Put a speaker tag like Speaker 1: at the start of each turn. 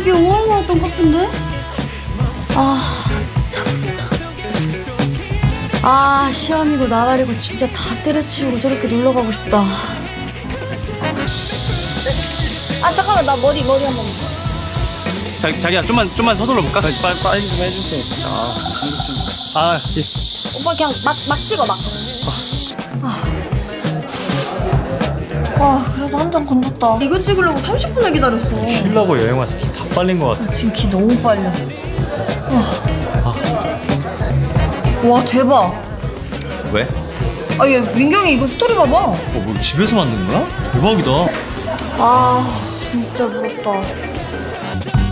Speaker 1: 되게 오한 거 같던 커피인데? 아 진짜 부럽다. 아 시험이고 나발이고 진짜 다 때려치우고 저렇게 놀러 가고 싶다. 아 잠깐만 나 머리 한 번만.
Speaker 2: 자기야 좀만 서둘러 볼까? 빨리 좀 해주세요. 예.
Speaker 1: 오빠 그냥 막 찍어 막. 와 그래도 한 잔 건졌다. 이거 찍으려고 30분을 기다렸어.
Speaker 2: 쉬려고 여행 와서 기 다 빨린 것 같아.
Speaker 1: 지금 기 너무 빨려. 와 대박.
Speaker 2: 왜?
Speaker 1: 아 얘 민경이 이거 스토리 봐봐.
Speaker 2: 뭐 집에서 만든 거야? 대박이다.
Speaker 1: 아 진짜 부럽다.